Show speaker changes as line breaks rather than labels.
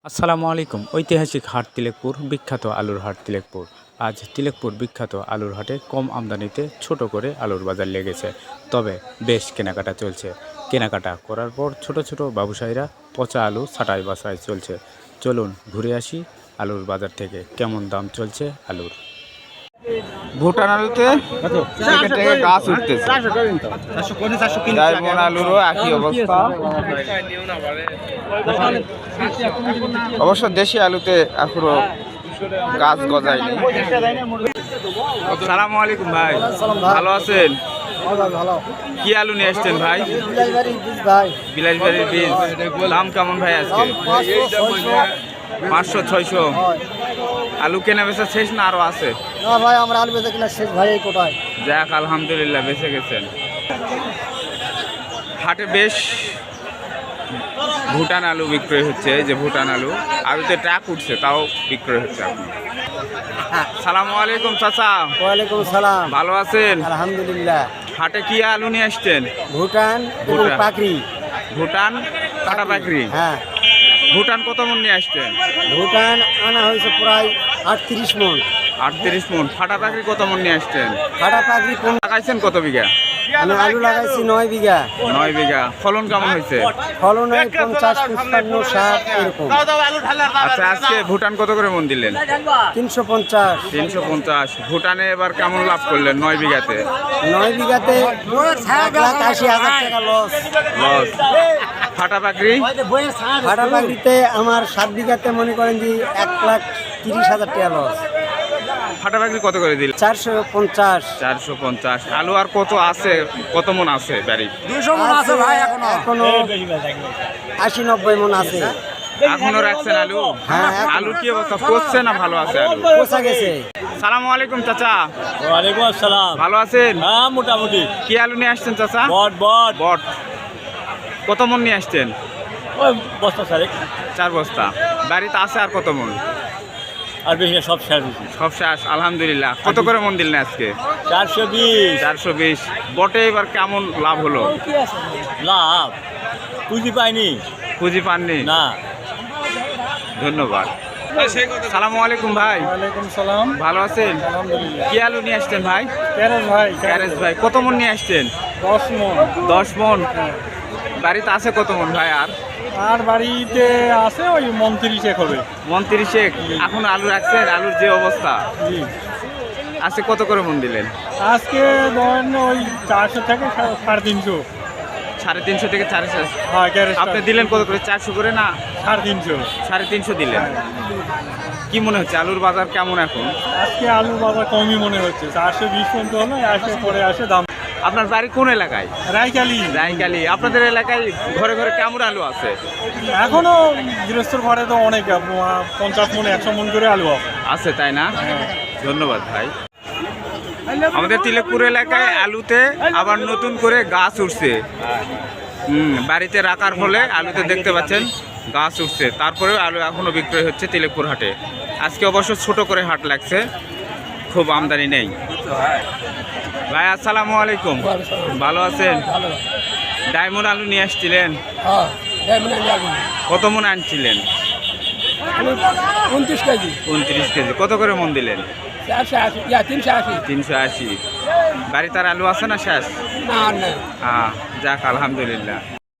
আসসালামু আলাইকুম। ঐতিহাসিক হাট তিলেকপুর, বিখ্যাত আলুর হাট তিলেকপুর। আজ তিলেকপুর বিখ্যাত আলুর হাটে কম আমদানিতে ছোট করে আলুর বাজার লেগেছে, তবে বেশ কেনাকাটা চলছে। কেনাকাটা করার পর ছোট ছোট ব্যবসায়ীরা পচা আলু ছাঁটাই বাছাই চলছে। চলুন ঘুরে আসি আলুর বাজার থেকে কেমন দাম চলছে আলুর।
ভুটান আলুতে থেকে থেকে গাছ উঠতেছে, ডায়মন্ড আলুরও একই অবস্থা। অবশ্য দেশি আলুতে এখনো গাছ গজায়নি। সালামু আলাইকুম ভাই, ভালো আছেন? কি আলু নিয়ে আসছেন ভাই? বিলাসবাড়ির বীজ। দাম কেমন ভাই আজকে? 500-600। আলু কেনা বেচা শেষ না আরো আছে?
না ভাই, আমরা আলু বেচা কিনা শেষ ভাই। এই কোটায়
যাক আলহামদুলিল্লাহ, বেঁচে গেছেন। হাটে বেশ ভুটান আলু বিক্রয় হচ্ছে। এই যে ভুটান আলু, আলুতে ট্রাক উঠছে, তাও বিক্রয় হচ্ছে এখন। সালামু আলাইকুম চাচা।
ওয়ালাইকুম সালাম।
ভালো আছেন?
আলহামদুলিল্লাহ।
হাটে কি আলু নিয়ে আসছেন?
ভুটান এবং
ভুটান।
পাকড়ি।
ভুটান কাটা পাকড়ি।
হ্যাঁ,
ভুটান কত মন নিয়ে আসছেন?
ভুটান আনা হয়েছে প্রায় 38 মন।
38 মন। ফাটা পাকড়ি কত মন নিয়ে আসছেন?
ফাটা পাকড়ি
লাগাইছেন কত বিঘা?
আমি আলু লাগাইছি 9 বিঘা।
9 বিঘা। ফলন কেমন হয়েছে?
ফলন হয় 50, 55, 60 এরকম।
আচ্ছা, আজকে ভুটান কত করে মন দিলেন?
350।
350। ভুটানে এবার কেমন লাভ করলেন 9 বিঘাতে?
9 বিঘাতে 1,80,000 টাকা লস।
লস। ফাটা পাকড়ি?
ফাটা পাকড়িতে আমার 7 বিঘাতে মনে করেন যে 1,30,000 টাকা লস।
ফাটা পাকড়ি কত করে দিলেন?
450।
450। আলু আর কত আছে? কত মন আছে বাড়ি?
200 মন আছে ভাই। এখনো 80-90 মন আছে।
এখনো রাখছেন আলু?
হ্যাঁ।
আলু কি অবস্থা, পচছে না ভালো আছে আলু?
পচা গেছে।
সালামু আলাইকুম চাচা।
ওয়ালাইকুম আসসালাম।
ভালো আছেন?
হ্যাঁ, মোটামুটি।
কি আলু নিয়ে আসছেন চাচা?
বট বট
বট। কত মন নিয়ে আসছেন?
ওই বস্তা সারেক।
4 বস্তা। বাড়িতে আছে আর কত মন?
আর বেশি না, সব শেষ হয়েছে।
সব শেষ আলহামদুলিল্লাহ। কত করে মন দিলেন আজকে?
420
420। বটে এবার কেমন লাভ হলো?
লাভ পুঁজি পাইনি
পুঁজি পাননি?
না।
ধন্যবাদ। সালামু আলাইকুম ভাই।
ওয়ালাইকুম সালাম।
ভালো আছেন?
আলহামদুলিল্লাহ।
কি আলু নিয়ে আসছেন ভাই?
ক্যারেজ ভাই,
ক্যারেজ ভাই। কত মন নিয়ে আসছেন?
10 মন।
10 মন। বাড়িতে আছে কত মন ভাই?
আর বাড়িতে আছে ওই 29 হবে।
29। এখন আলু রাখছেন? আলুর যে অবস্থা,
জি।
আজকে কত করে মন দিলেন?
আজকে ধরেন ওই 400 থেকে 350।
350 থেকে 400।
হ্যাঁ, ক্যারেজ
আপনি দিলেন কত করে? 400 করে না
350।
350 দিলেন। কি মনে হচ্ছে আলুর বাজার কেমন এখন?
আজকে আলু বাজার কমই মনে হচ্ছে। 420 পর্যন্ত হলো, আসে পরে আসে দাম।
আপনার বাড়ি কোন এলাকায়?
রাইকালি।
রাইকালি। আপনাদের এলাকায় ঘরে ঘরে কেমন আলু আছে?
এখনো গৃহস্থর ঘরে তো অনেক 50 মন 100 মন করে আলু
আছে, তাই না? ধন্যবাদ ভাই। আমাদের তিলেকপুর এলাকায় আলুতে আবার নতুন করে গাছ উঠছে। বাড়িতে রাখার ফলে আলুতে দেখতে পাচ্ছেন গাছ উঠছে। তারপরেও আলু এখনো বিক্রয় হচ্ছে তিলেকপুর হাটে। আজকে অবশ্য ছোট করে হাট লাগছে, খুব আমদানি নেই। ভাই আসসালামু আলাইকুম। ভালো আছেন? ডায়মন্ড আলু নিয়ে আসছিলেন? কত মন আনছিলেন?
29 কেজি।
29 কেজি। কত করে মন দিলেন?
380।
380। বাড়ি তার আলু আছে না শেষ?
না, না।
যাক আলহামদুলিল্লাহ।